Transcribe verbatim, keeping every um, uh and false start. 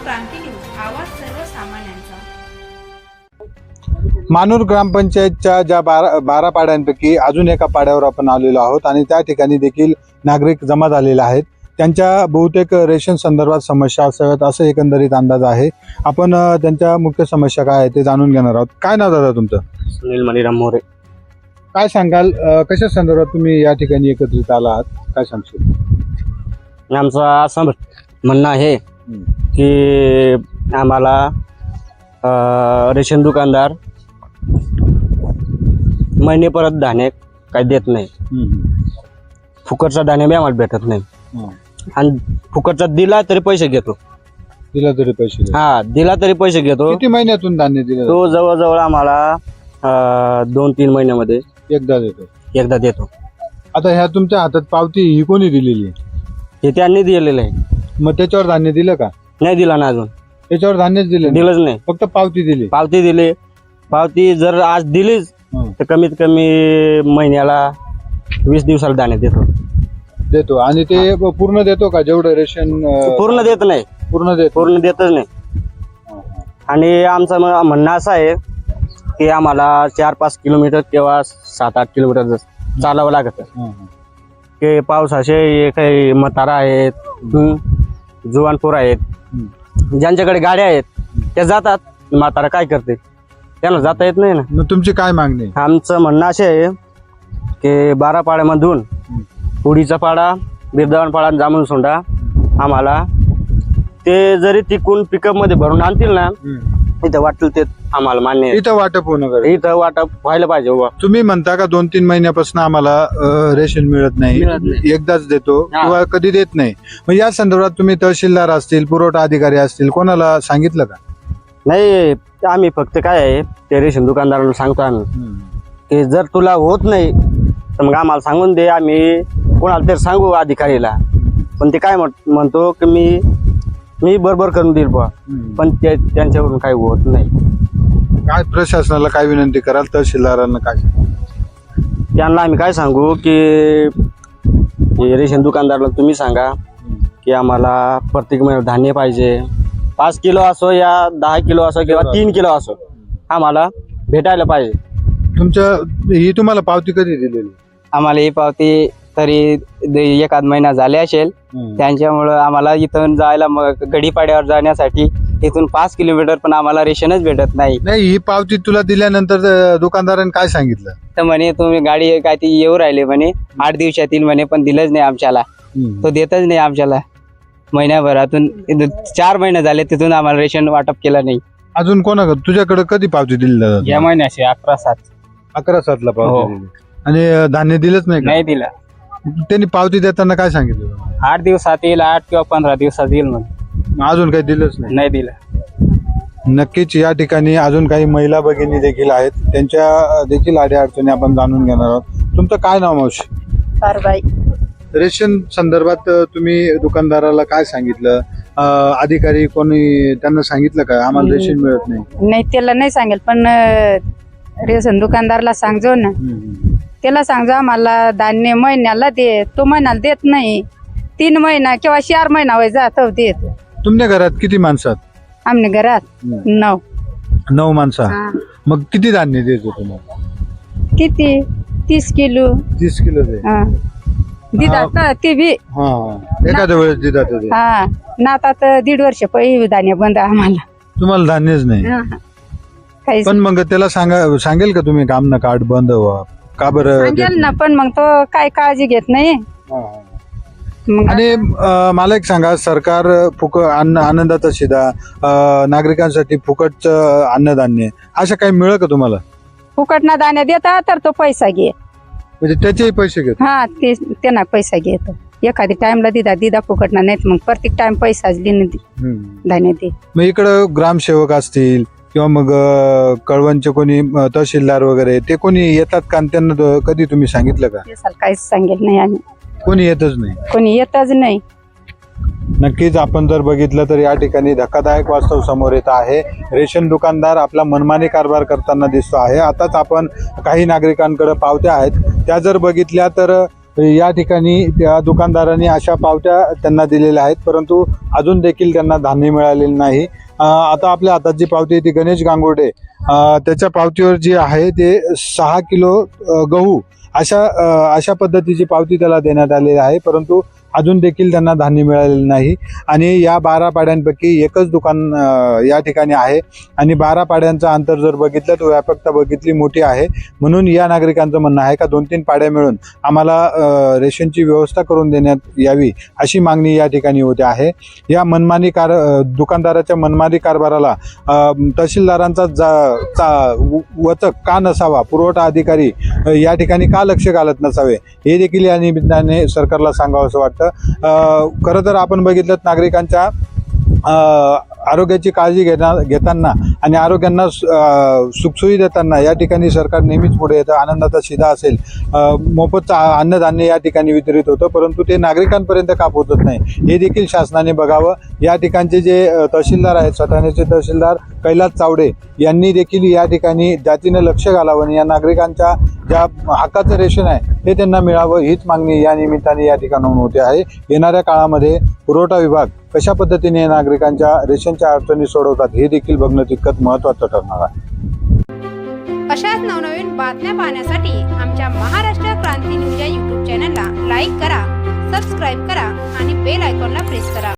क्रांती news, आवाज सर्वसामान्यांचा। मानूर ग्रामपंचायतच्या ज्या बारा बारा पाड्यांपैकी अजून एका पाड्यावर आपण आलेलो आहोत आणि त्या ठिकाणी देखील नागरिक जमा झालेले आहेत। त्यांच्या बहुतेक रेशन संदर्भात समस्या असाव्यात असं एकंदरीत अंदाज आहे। आपण अ, त्यांच्या मुख्य समस्या काय आहे ते जाणून घेणार आहोत। काय नाव दादा तुमचं? सुनील मणिराम मोरे। काय सांगाल, अ, कशा संदर्भात तुम्ही या ठिकाणी एकत्रित आला आहात, काय सांगशील? आमचं असं म्हणणं आहे की आम्हाला अ, रेशन दुकानदार महिने परत धान्य काही देत नाही। फुकटचा धान्य बी आम्हाला भेटत नाही आणि फुकटचा दिला तरी पैसे घेतो। दिला तरी पैसे देतो? हा, दिला तरी पैसे घेतो। किती महिन्यातून धान्य दिलं? तो जवळजवळ आम्हाला अ, दोन तीन महिन्यामध्ये एकदा देतो। एकदा देतो। आता ह्या तुमच्या हातात पावती ही कोणी दिलेली आहे? हे त्यांनी दिलेलं आहे। मग त्याच्यावर धान्य दिलं का? नाही दिला ना अजून, त्याच्यावर धान्यच दिलं नाही? दिलंच नाही, फक्त पावती दिली। पावती दिली। पावती जर आज दिलीच तर कमीत कमी महिन्याला वीस दिवसाला धान्य देतो देतो आणि ते पूर्ण देतो का? जेवढं रेशन अं, पूर्ण देत नाही, पूर्ण देतो? पूर्ण देतच नाही। आणि आमचं म- म्हणणं असं आहे की आम्हाला चार पाच किलोमीटर किंवा सात आठ किलोमीटर चालावं लागत हं, हं. की पावसाचे काही म्हातारा आहेत, हं, जुवानपोर आहेत, ज्यांच्याकडे गाड्या आहेत त्या जातात। म्हातारा काय करते, त्यांना जाता येत नाही ना। मग तुमची काय मागणी? आमचं म्हणणं असे आहे की बारा पाड्यामधून उडीचा पाडा, बिरदावन पाडा, जांभूळ सोंडा आम्हाला ते जरी तिकून पिकअप मध्ये भरून आणतील ना, इथं वाटेल ते आम्हाला मान्य आहे। इथं वाटप होणं गरजेचं. इथं वाटप व्हायला पाहिजे बाबा। तुम्ही म्हणता का दोन तीन महिन्यापासून आम्हाला अं, रेशन मिळत नाही, मिळत नाही. एकदाच देतो हा. किंवा कधी देत नाही, मग या संदर्भात तुम्ही तहसीलदार असतील, पुरवठा अधिकारी असतील, कोणाला सांगितलं का? नाही, आम्ही फक्त काय आहे ते रेशन दुकानदाराला सांगतो आम्ही की जर तुला होत नाही तर मग आम्हाला सांगून दे, आम्ही कोणाला तरी सांगू अधिकारीला। पण ते काय म्हण- म्हणतो की मी मी बरोबर करून देईल बुवा, पण ते त्यांच्याकडून काही होत नाही। काय प्रशासनाला काय विनंती कराल, तहसीलदारांना काय? त्यांना आम्ही काय सांगू की हे रेशन दुकानदाराला तुम्ही सांगा की आम्हाला प्रत्येक महिन्यात धान्य पाहिजे, पाच किलो असो या दहा किलो असो किंवा तीन किलो असो, आम्हाला भेटायला पाहिजे। तुमच्या ही तुम्हाला पावती कधी दिलेली? आम्हाला ही पावती तरी द- एखाद महिना झाले असेल। त्यांच्यामुळं आम्हाला इथून जायला मग गडीपाड्यावर जाण्यासाठी इथून पाच किलोमीटर पण आम्हाला रेशनच भेटत नाही। नाही, ही पावती तुला दिल्यानंतर अं, दुकानदाराने काय सांगितलं? तर म्हणे तुम्ही गाडी काय ती येऊ राहिले म्हणे आठ दिवसात येईल म्हणे, पण दिलंच नाही आमच्याला, तो देतच नाही आमच्याला। महिन्याभरातून इथून चार महिने झाले तिथून आम्हाला रेशन वाटप केलं नाही। अजून कोणाकडे तुझ्याकडे कधी पावती दिली दादा? या महिन्याचे अकरा सात अकरा सातला हो. पावती दिली आणि अं, धान्य दिलंच नाही का? नाही दिला। त्यांनी पावती देताना काय सांगितलं तुम्हाला? आठ दिवसात येईल, आठ किंवा पंधरा दिवसात येईल म्हणे, अजून काही दिलंच नाही? नाही दिला। नक्कीच या ठिकाणी अजून काही महिला भगिनी देखील आहेत, त्यांच्या अं, देखील अडीअडचणी आपण जाणून घेणार आहोत। तुमचं काय नाव मावशी? कारबाई रेशन संदर्भात अं, तुम्ही दुकानदाराला काय सांगितलं? अं, अधिकारी कोणी त्यांना सांगितलं का आम्हाला रेशन मिळत नाही? नाही, त्याला नाही सांगेल, पण अं, रेशन दुकानदारला सांगजो ना, त्याला सांगजो आम्हाला धान्य महिन्याला दे, तो महिन्याला देत नाही। तीन महिना किंवा चार महिना वय जात देत। तुमच्या घरात किती माणसं आहेत? आमने घरात नऊ नऊ माणसं. हा. मग किती धान्य द्यायचं तुम्हाला? किती तीस किलो तीस किलो दे. हा. दिदात ना ते बी हा, एखाद्या वेळेस दिदा ते. हा ना, आता दीड वर्ष पहिले धान्य बंद आम्हाला, तुम्हाला धान्यच नाही? काहीच पण मग त्याला सांगा सांगेल का तुम्ही काम ना कार्ड बंद व्हा का बरं? सांगेल ना, पण मग तो काय काळजी घेत नाही। मग आणि अं, मला एक सांगा, सरकार फुक अन्न आनंदाचा शिदा, अं, नागरिकांसाठी फुकट अन्नधान्य असं काही मिळेल का तुम्हाला? फुकट ना धान्य देता तर तो पैसा घे, म्हणजे त्याचेही पैसे घेत? हा ते त्यांना पैसा घेतो। एखादी टाइमला दिदा दिदा फुकट ना, नाही मग प्रत्येक टाइम पैसाच देणे धान्य दे। मग इकडं ग्रामसेवक असतील किंवा मग अं, कळवणचे कोणी अं, तहसीलदार वगैरे ते कोणी येतात का? आणि त्यांना तो- कधी तुम्ही सांगितलं का? ते साल काहीच सांगेल नाही आम्ही, कोणी येतच नाही? कोणी येतच नाही। नक्कीच आपण जर बघितलं तर या ठिकाणी धक्कादायक वास्तव समोर येत आहे। रेशन दुकानदार आपला मनमानी कारभार करताना दिसतो आहे। आताच आपण काही नागरिकांकडे पावत्या आहेत त्या जर बघितल्या तर या ठिकाणी त्या दुकानदारांनी अशा पावत्या त्यांना दिलेल्या आहेत, परंतु अजून देखील त्यांना धान्य मिळालेलं नाही. अ, आता आपल्या हातात जी पावती आहे ती गणेश गांगुर्डे अ, त्याच्या पावतीवर जी आहे ते सहा किलो अ, गहू अशा अ, अशा पद्धतीची पावती त्याला देण्यात आलेली आहे, परंतु अजून देखील त्यांना धान्य मिळालेलं नाही. आणि या बारा पाड्यांपैकी एकच दुकान अ, या ठिकाणी आहे आणि बारा पाड्यांचं अंतर जर बघितलं तर व्यापकता बघितली मोठी आहे. म्हणून या नागरिकांचं म्हणणं आहे का दोन तीन पाड्या मिळून आम्हाला अ, रेशनची व्यवस्था करून देण्यात यावी अशी मागणी या ठिकाणी होते आहे. या मनमानी कार अ, दुकानदाराच्या मनमानी कारभाराला अ, तहसीलदारांचा जा चा वचक का नसावा, पुरवठा अधिकारी अ, या ठिकाणी का लक्ष घालत नसावे हे देखील या निमित्ताने सरकारला सांगावं असं वाटतं. खरं तर आपण बघितलं नागरिकांच्या आरोग्याची काळजी घेणार घेताना आणि आरोग्यांना सुखसोयी देताना या ठिकाणी सरकार नेहमीच पुढे येतं. आनंदाचा शिधा असेल, मोफत अन्नधान्य या ठिकाणी वितरित होतं, परंतु ते नागरिकांपर्यंत का पोहोचत नाही हे देखील शासनाने बघावं. या ठिकाणचे जे तहसीलदार आहेत, सटाण्याचे तहसीलदार कैलास चावडे यांनी देखील या ठिकाणी जातीनं लक्ष घालावं आणि या नागरिकांच्या ज्या हक्काचं रेशन आहे हे त्यांना मिळावं हीच मागणी या निमित्ताने या ठिकाणाहून होते आहे. येणाऱ्या काळामध्ये पुरवठा विभाग कशा पद्धतीने नागरिकांच्या रेशनच्या अडचणी सोडवतात हे देखील बघणं तितकंच महत्त्वाचं ठरणार आहे. अशाच नवनवीन बातम्या पाहण्यासाठी आमच्या महाराष्ट्र क्रांती न्यूज या यूट्यूब चॅनलला लाईक करा, सबस्क्राईब करा आणि बेल आयकॉनला प्रेस करा.